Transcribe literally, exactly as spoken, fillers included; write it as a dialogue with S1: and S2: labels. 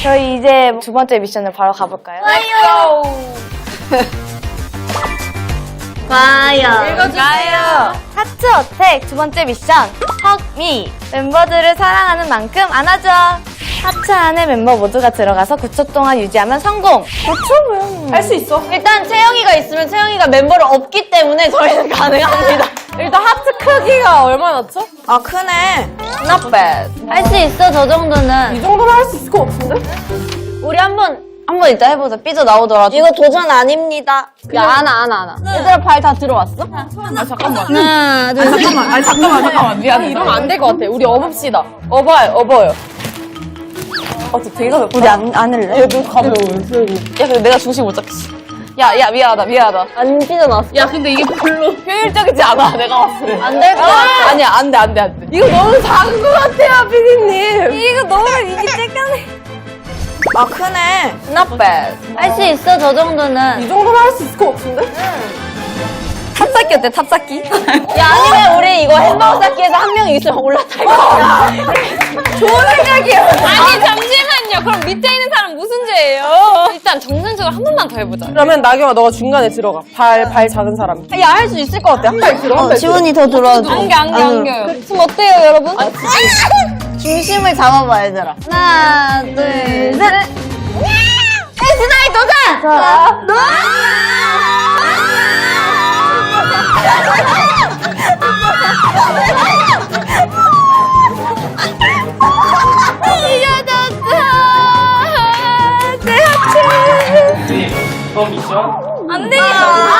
S1: 저희 이제 두 번째 미션을 바로 가볼까요?
S2: 좋아요.
S1: 좋아요.
S2: 읽어주세요.
S1: 하트 어택 두 번째 미션. Hug me. 멤버들을 사랑하는 만큼 안아줘. 하트 안에 멤버 모두가 들어가서 구 초 동안 유지하면 성공. 구 초면
S2: 할 수 있어.
S3: 일단 채영이가 있으면 채영이가 멤버를 없기 때문에 저희는 가능합니다.
S2: 일단 하트 크기가 얼마나죠?
S3: 아, 크네.
S2: Not bad.
S1: 할 수 있어 저 정도는.
S2: 이 정도는 할 수 있을 것 같은데?
S3: 우리 한번 한번 이따 해보자. 삐져 나오더라도. 이거 도전 아닙니다.
S1: 야 안아 안아 안아.
S3: 얘들아 발 다 들어왔어?
S2: 아 잠깐만.
S1: 하나 둘 셋.
S2: 잠깐만. 아니 잠깐만 잠깐만. 미안해. 이러면 안 될 것 같아. 우리 업읍시다. 업어요 업어요. 어, 저 되게 가볍다.
S1: 우리 안 안을래?
S2: 얘 눈 가벼워. 야 근데 내가 중심 못 잡겠어. 야, 야, 미안하다, 미안하다.
S3: 안 삐져나왔어.
S2: 야, 근데 이게 별로 효율적이지 않아, 내가 봤을 때.
S3: 안 될 것 같아.
S2: 아니야, 안 돼, 안 돼, 안 돼. 이거 너무 작은 것 같아요, 피디님.
S1: 이거 너무 이게 쬐까네.
S3: 아, 크네.
S2: Not bad.
S1: 할 수 있어 저 정도는.
S2: 이 정도는 할 수 있을 것 같은데?
S1: 탑쌓기 어때 탑쌓기?
S3: 야, 아니면 우리 이거 햄버거 쌓기에서 한 명이 있으면 올라탈 거야.
S2: 좋은 생각이에요.
S4: 아니 잠시만요. 그럼 밑에 있는 사람 무슨 죄예요? 일단 정상적으로 한 번만 더 해보자.
S2: 그러면 나경아, 너가 중간에 들어가. 발, 발 작은 사람.
S3: 야, 할 수 있을 것 같아. 한 발 들어. 한 발 들어.
S1: 지원이 더 들어와줘.
S4: 안겨 안겨 안겨요.
S3: 지금 어때요, 여러분? 중심을 잡아봐, 얘들아.
S1: 하나 둘 셋.
S3: 에스나이 도전!
S1: 자.
S4: 안 돼.